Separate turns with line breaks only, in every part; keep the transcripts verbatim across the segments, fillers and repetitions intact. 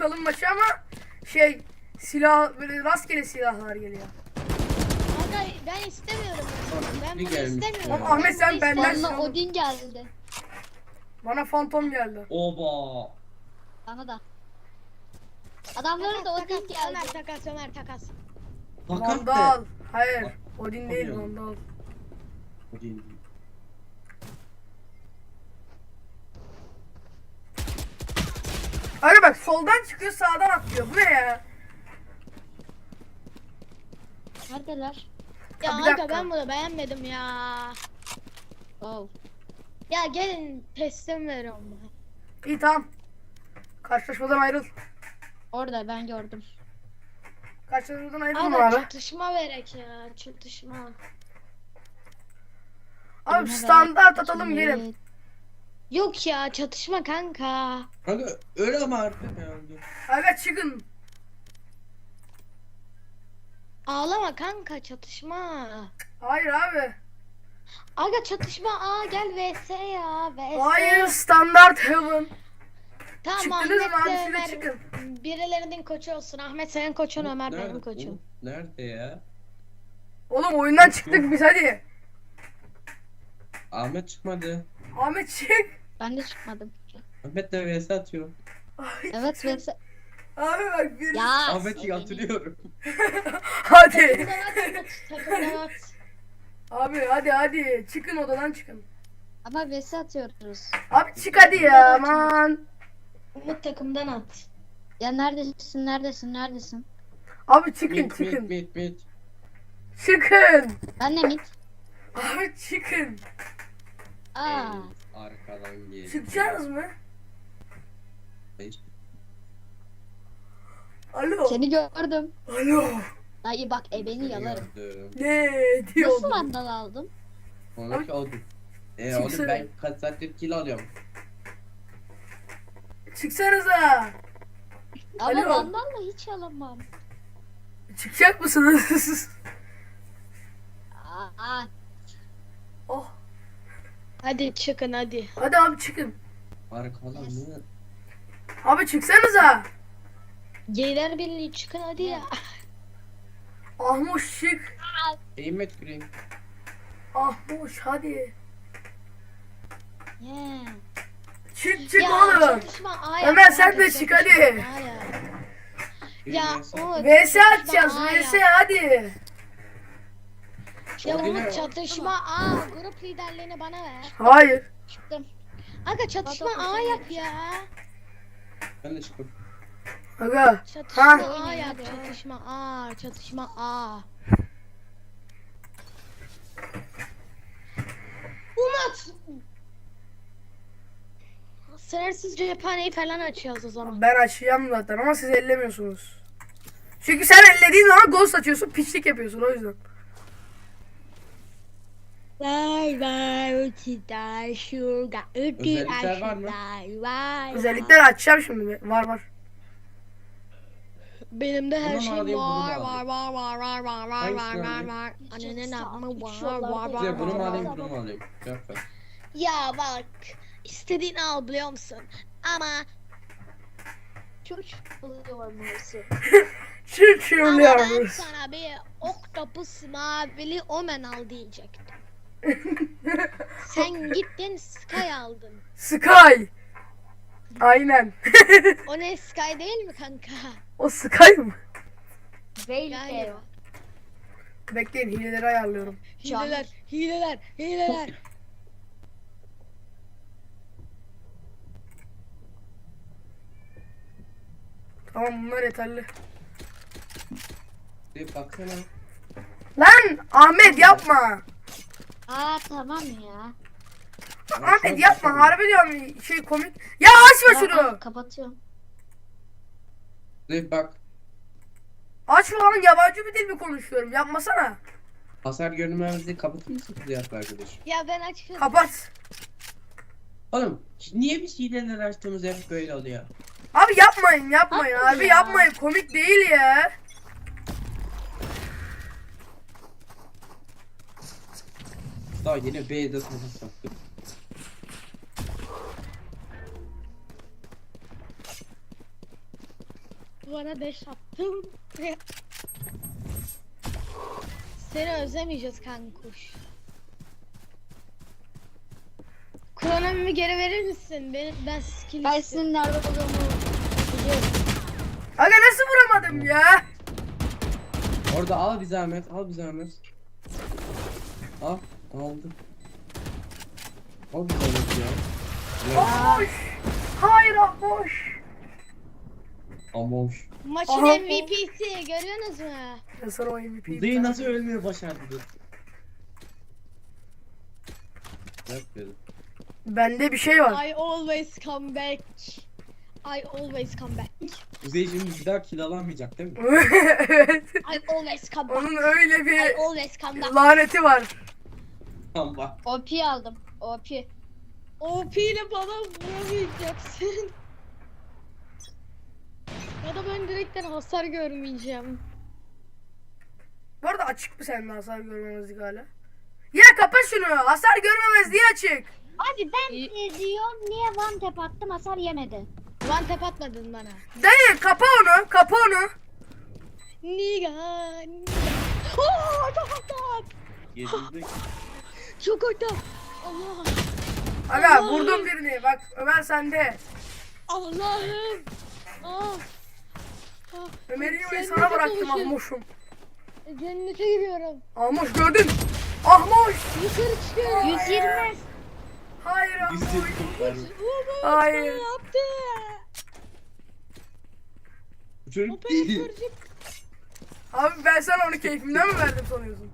sokalım maçı ama şey silah böyle rastgele silahlar geliyor.
Kanka ben istemiyorum. Ben bunu
gelmiş
istemiyorum.
ya.
Ahmet, sen
bunu
benden
istemiyorum.
Bana Odin geldi.
Bana fantom geldi.
Oba.
Bana da. Adamlara da
Takas,
Odin
takas, Ömer
geldi.
takas, Ömer takas.
Fakat
Vandal.
de.
Hayır.
Bak,
Odin değil,
bakıyorum.
Vandal.
O değil.
Hayır bak, soldan çıkıyor, sağdan atlıyor. Bu ne ya?
Neredeler?
Ya
Ha, bir
kanka
dakika.
ben bunu beğenmedim ya.
Oh.
Ya gelin teslim veriyorum bunu.
İyi, tamam. Karşılaşmadan ayrıl.
Orada ben gördüm.
Karşılaşmadan ayrıl
Abi,
abi.
çatışma verek ya, çatışma.
Abi
Birine
standart
ver,
atalım,
ikine
gelin.
ver.
Yok ya, çatışma kanka.
Kanka öyle ama artık herhalde.
Aga çıkın.
Ağlama kanka, çatışma.
Hayır abi.
Aga çatışma, aa gel vs ya, vs.
Hayır, standart heaven.
Tamam,
Çıktınız mı
Ahmet
abi,
de
siz de
Ömer
çıkın.
birilerinin koçu olsun. Ahmet senin koçun, Ömer
Nerede
benim
bu?
koçum.
Nerede ya?
Oğlum oyundan çıktık biz, hadi.
Ahmet çıkmadı.
Ahmet çık.
Ben de çıkmadım.
Ahmet de vs atıyor.
Ay,
Evet
çık.
vs.
Abi bak bir.
Ya.
Ahmet'i
seni-
hatırlıyorum.
Hadi.
Takımdan at, takımdan at.
Abi hadi hadi. Çıkın, odadan çıkın.
Ama vs atıyoruz.
Abi çık hadi ya, aman.
Umut takımdan at.
Ya neredesin neredesin neredesin?
Abi çıkın
Mit mit
çıkın.
mit mit.
Çıkın.
Ben de mid.
Abi çıkın.
Aa.
Arkadan gel.
Çıkacaksınız mı?
Hayır.
Alo.
Seni gördüm.
Alo.
Dayı bak ebeni
Seni
yalarım.
gördüm.
Ne
Nasıl
diyordun?
vandal aldım?
Onu ki oldum. E
Çıksana.
oğlum ben kaç saattir kill alıyorum.
Çıksanıza.
Ama
Alo.
vandalla hiç alamam.
Çıkacak mısınız?
Aa.
Oh.
Hadi çıkın hadi.
Hadi abi çıkın.
Arkadan mı?
Abi çıksanıza.
Geyler Birliği çıkın hadi ya.
Ahmuş çık.
Eğmet gireyim.
Ahmuş hadi.
Yeah.
Çık çık
Ya
oğlum.
çatışma A yap.
Ömer, sen
kanka,
de çık,
çatışma
hadi.
A yap.
Bir
Ya
vs.
Umut.
V S
çatışma
atacağız,
A
V S
yap.
hadi.
Ya
O yine-
Umut çatışma A. Grup liderliğini bana ver.
Hayır.
Çıktım.
Aga çatışma A yap ya.
Ben de çıktım.
Aga.
Çatışma
Ha.
A yap. Çatışma A. Çatışma A. Umut. Sınırsız cephaneyi falan açıyoruz o zaman.
Ben açacağım zaten ama siz ellemiyorsunuz. Çünkü sen ellediğin zaman ghost açıyorsun, piçlik yapıyorsun, o yüzden.
Vay vay uçlar şurada
Özellikler var mı?
Vay
Özellikleri açacağım şimdi. Var var.
Benim de her
Bunu mu
şey
alayım, bunu mu
var var
alayım?
var var var var var var
Hangisini
var
alayım?
var. Annenin amı var
Şuralarda
var var
Size bunu mu
var
alayım
var.
bunu mu alayım? Cevap ver.
Ya bak istediğini al biliyor musun? Ama
Çocuk oluyor musun?
Çık
ama ben
şurluyoruz.
sana bir Octopus mavili Omen al diyecektim. Sen gittin Sky aldın.
Sky. Aynen.
O ne Sky değil mi kanka?
O Sky mı?
Galiba.
Bekleyin, hileleri ayarlıyorum.
Hileler, hileler, hileler.
Tamam, bunlar yeterli.
Bir baksana.
Lan Ahmet yapma.
Aa tamam ya.
Ahmet yapma, harbi diyorum, şey komik. Ya açma
Ya,
şunu.
aa, kapatıyorum.
Bir bak.
Açma lan, yabancı bir dil mi konuşuyorum? Yapmasana.
Hasar görünmemizi kapatır mısın kızı arkadaş?
Ya ben açıyorum.
Kapat.
Oğlum niye biz hileler açtığımız hep böyle oluyor?
Abi yapmayın yapmayın
Yapma
abi
ya.
yapmayın, komik değil ya.
Daha yine B'de sana sattım.
Duvara deş attım. Seni özlemeyeceğiz kankuş. Kronomimi geri verir misin? Benim, ben skill
Ben
istiyorum.
senin nerede olduğumu biliyorum.
Aga nasıl vuramadım ya?
Orada al bir zahmet, al bir zahmet. Al, aldım. Al bir zahmet ya. Ya,
Ahmoş. Hayır Ahmoş.
amoş.
Maçın
Aha.
M V P'si görüyorsunuz mu?
Ben sana o M V P'yi
Kuzey nasıl ölmüyor başardı? Yok dedim.
Bende bir şey var.
I always come back. I always come back.
Kuzey şimdi bir daha kill alamayacak değil mi?
Evet.
I always come back.
Onun öyle
I
bir
always come back.
laneti var.
Tamam bak.
O P aldım. O P.
O P ile bana vuramayacaksın. Ya da ben direkten hasar görmeyeceğim.
Bu arada açık mı senin hasar görmemezlik hala? Ya kapat şunu. Hasar görmemezliği açık.
Abi ben
İyi.
e, diyorum niye one tap attım hasar yemedi.
One tap atmadın bana.
Dayı kapa onu. Kapa onu.
Niga. niga. Oo, çok ortak.
Yedinci.
Çok ortak. Allah.
Aga
Allah'ım.
vurdum birini. Bak Ömer sende.
Allah'ım. Ah. Ah.
Ömer'i yoyu
Cennete
sana bıraktım
kavuşuyorum.
Ahmoş'um.
Cennete giriyorum.
Ahmoş gördün. Ahmoş.
Yukarı çıkıyorum.
yüz yirmi.
Hayır Ahmoş.
Yüz yedi kurtardı.
Umut
Hayır.
ne yaptı?
Bu çocuk değil.
Operatörcük.
Abi ben sana onu keyfimden mi verdim sanıyorsun?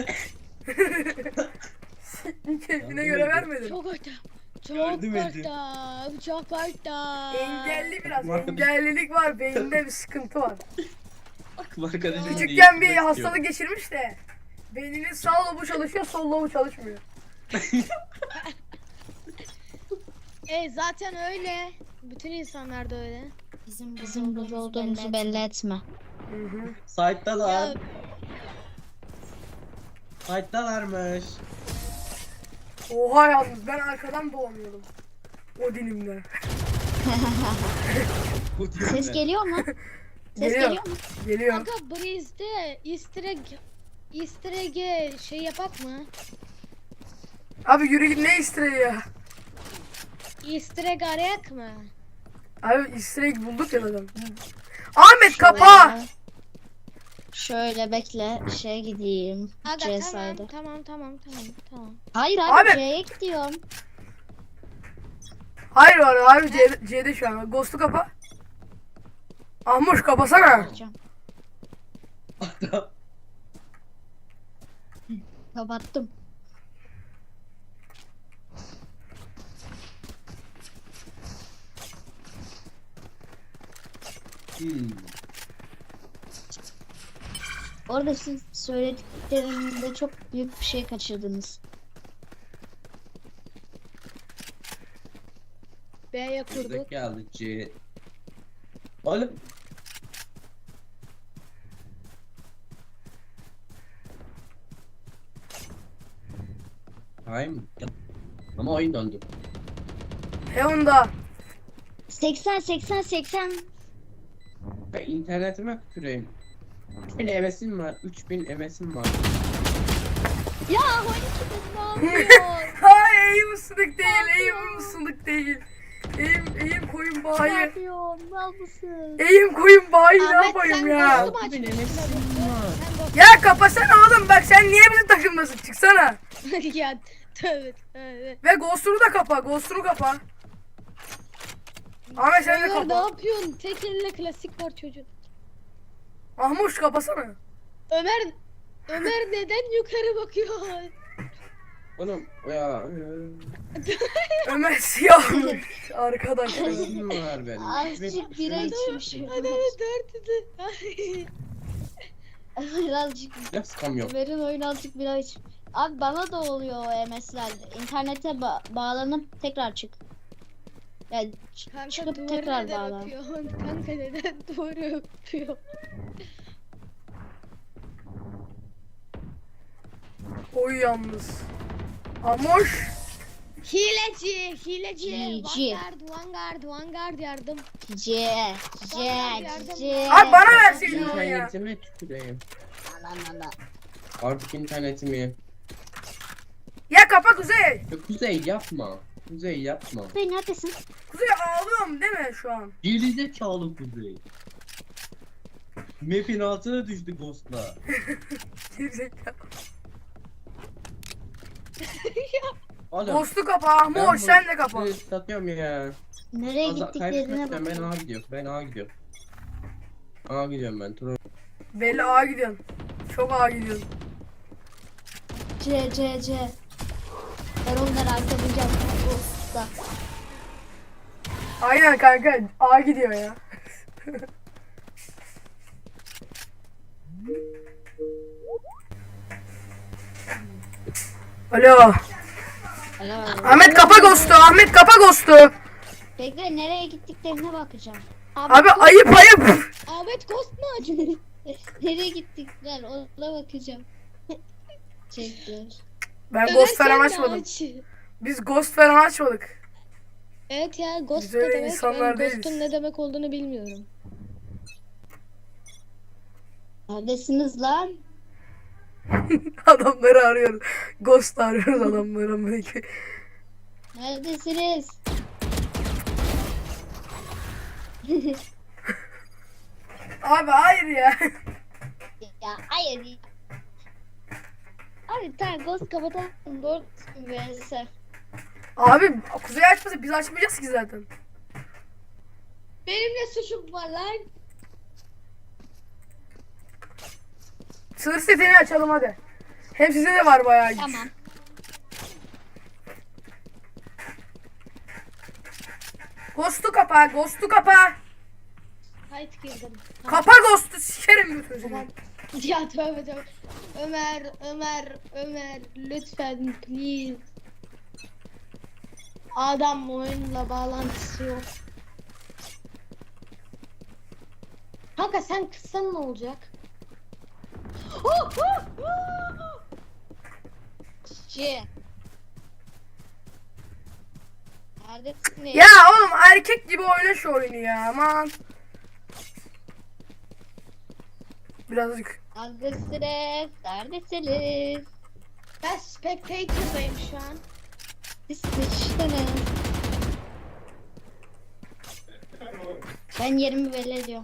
Keyfine göre vermedim.
Çok ortak. Çok
Yardım edin.
ortak. Çok ortak.
Engelli biraz.
Var.
Engellilik var. Beyinde bir sıkıntı var.
Akıl arkadaşım
Küçükken bir
değiştirmek
hastalık geçirmiş de. Beyninin sağ lobu çalışıyor, sol lobu çalışmıyor.
E zaten öyle. Bütün insanlar da öyle.
Bizim bizim burada olduğumuzu belli etme.
Hı hı.
Site'dalar.
Ya
Site'dalarmış.
Oha yalnız ben arkadan dolanıyorum. O dilimle.
Bu diyor
Ses
ne?
geliyor mu? Ses
Geliyor.
geliyor mu?
Geliyor.
kanka Breeze'de easter egg easter egg'e şey yapak mı?
Abi yürü git ne istireği ya.
Easter egg arayak mı?
Abi istireği bulduk ya zaten. Ahmet kapa.
Şöyle bekle şey gideyim.
Aga
C
tamam,
saydı.
tamam tamam tamam tamam.
Hayır abi,
Abi.
C'ye gidiyorum.
Hayır var abi C'de, C'de şu an. Ghost'u kapa. Ahmoş kapasana.
Bakacağım. Kapattım.
Hmm.
Orada siz söylediklerinde çok büyük bir şey kaçırdınız.
B'ye kurduk.
Buradaki geldi C. Oğlum. Hayır mı? Ama oyun döndü.
Heon'da.
seksen seksen seksen.
Ben internetime tüküreyim. üç bin evesim var. üç bin evesim var.
Ya on iki bin ne yapıyor?
Hayır eğim ısınık değil. Eğim ısınık değil. Eğim, eğim koyun
Ne
bayi.
yapıyorsun? Mal mısın?
Eğim koyun bayi ne
Ahmet,
yapayım
sen
ya.
Ghost'u mu
altı bin
açmışsın?
evesim var.
Sen Ghost'u-
Ya kapasana oğlum bak sen niye bizim takımdasın çıksana.
ya tövbe tövbe.
Ve Ghost'unu da kapa. Ghost'unu kapa. Ahmet sen de
Ömer ne
kapa.
yapıyorsun? Tek elle klasik var çocuğun.
Ahmuş kapasana.
Ömer Ömer neden yukarı bakıyor?
Oğlum ya.
Ömer siyahmış arkadaşlar.
Evesim var benim.
Azıcık bira içmişim.
Hadi hadi dört hadi.
Birazcık
Ya sıkam yok.
Ömer'in oyunu azıcık bira iç. Abi bana da oluyor o M S'ler. İnternete ba- bağlanıp tekrar çık. Yani ç-
Kanka
çıkıp
duvarı
tekrar
neden
bağlan.
öpüyorsun? Kanka neden duvarı öpüyor?
Oy yalnız. Ahmuş.
Hileci, hileci.
Hileci.
Vanguard, Vanguard, Vanguard yardım.
C. C. C.
Abi bana verseydin onu ya.
İnternetime tüküreyim.
Aman aman.
Artık internetimi.
Ya kapa Kuzey.
Ya Kuzey yapma. Kuzey yapma.
Kuzey neredesin?
Kuzey ağlıyorum değil mi şu an?
Gerizekalı Kuzey. Map'in altına düştü Ghost'la.
Gerizekalı.
Oğlum.
Ghost'u kapa Ahmoş sen de kapa.
Kuzey'i satıyorum ya.
Nereye
Fazla
gittiklerine
kaybetmekten ben
bak.
A gidiyorum. Ben A gidiyorum. A gidiyorum ben. Troll.
Belli ağa gidiyorsun. Çok ağa gidiyorsun.
C C C. Ben onları arkalayacağım. Usta.
Aynen kanka ağa gidiyor ya. Alo.
Alo.
Ahmet kapa Ghost'u. Ahmet kapa Ghost'u.
Bekle nereye gittiklerine bakacağım.
Abi ayıp ayıp.
Ahmet Ghost mu acı?
Nereye gittikler ona bakacağım. Çekler.
Ben Ghost falan açmadım. Biz Ghost falan açmadık.
Evet ya Ghost
Biz
ne
öyle
demek?
insanlar
Ben
değiliz.
Ghost'un ne demek olduğunu bilmiyorum.
Neredesiniz lan?
Adamları arıyoruz. Ghost arıyoruz adamları. Belki.
Neredesiniz?
Abi hayır ya.
Ya hayır ya. Abi tamam ghost kapatalım. Doğru verirse.
Abi Kuzey açmasa biz açmayacağız ki zaten.
Benim ne suçum var lan?
Sınır setini açalım hadi. Hem size de var bayağı güç.
Tamam.
Ghost'u kapa, Ghost'u kapa.
Hayt girdim.
Kapa Ghost'u sikerim götünü
Tamam.
seni.
Ya tövbe tövbe. Ömer, Ömer, Ömer lütfen please. Adam oyunla bağlantısı yok. Kanka sen kıssan ne olacak? Oh, oh, oh.
C. Neredesiniz?
Ya oğlum erkek gibi oyna şu oyunu ya aman. Birazcık.
Neredesiniz? Neredesiniz?
Ben spectator'dayım şu an.
Siz sıçtınız. Ben yerimi belli ediyorum.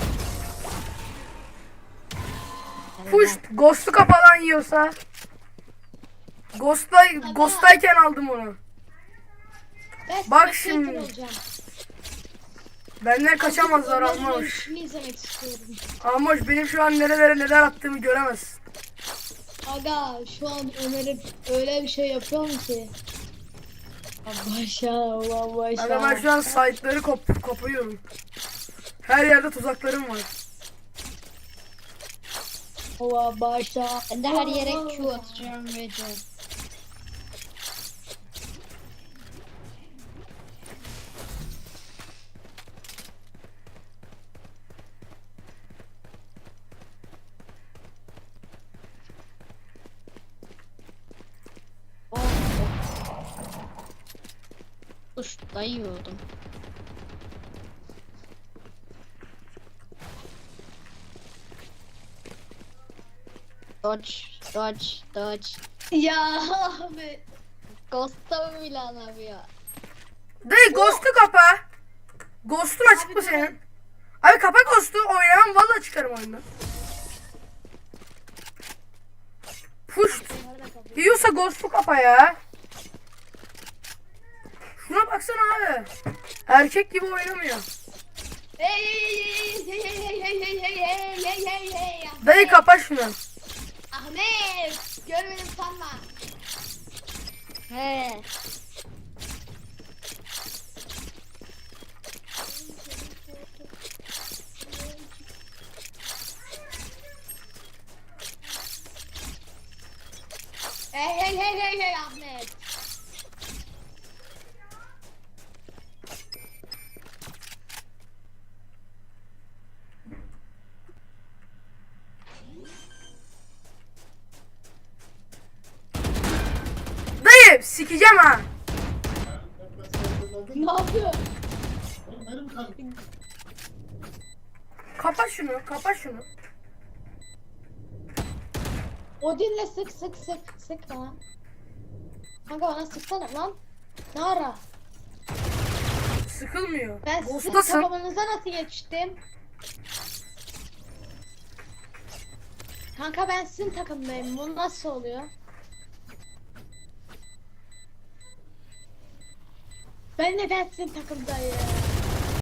Push, Ghost'u kapalan yiyorsa. Ghost'ta, Ghost'tayken aldım onu.
Ben
Bak
spectator
şimdi.
olacağım.
Benden kaçamazlar
Ömer'in
Amoş.
ölüşünü izlemek istiyorum.
Amoş benim şu an nerelere neler attığımı göremez.
Aga şu an Ömer'e öyle bir şey yapıyorum ki. Başa, başa.
Aga ben şu an site'ları kop kopuyorum. Her yerde tuzaklarım var.
Ova başa.
Ben de her yere Q atacağım vereceğim. Oh. Kuş dayıyordum. Dodge, dodge, dodge.
Ya abi.
Ghost'ta mı bile anlamıyor?
Dayı Ghost'u kapa. Ghost'un açık mı senin? Abi kapa Ghost'u oynamam vallahi çıkarım oyundan. Push. Yiyorsa Ghost'u kapa ya. Şuna baksana abi. Erkek gibi oynamıyor.
Hey hey hey hey hey hey hey hey hey hey hey.
Dayı kapa şunu.
Ahmet. Görmedim sanma.
He.
Hey hey hey hey hey Ahmet.
Dayı sikeceğim ha.
Ne yapıyor?
Kapat şunu, kapat şunu.
Odin'le sık sık sık sık lan. Kanka bana sıksana lan. Ne ara?
Sıkılmıyor.
Ben sizin
Ghost'tasın.
kafamınıza nasıl geçtim? Kanka ben sizin takımdayım. Bu nasıl oluyor? Ben neden sizin takımdayım?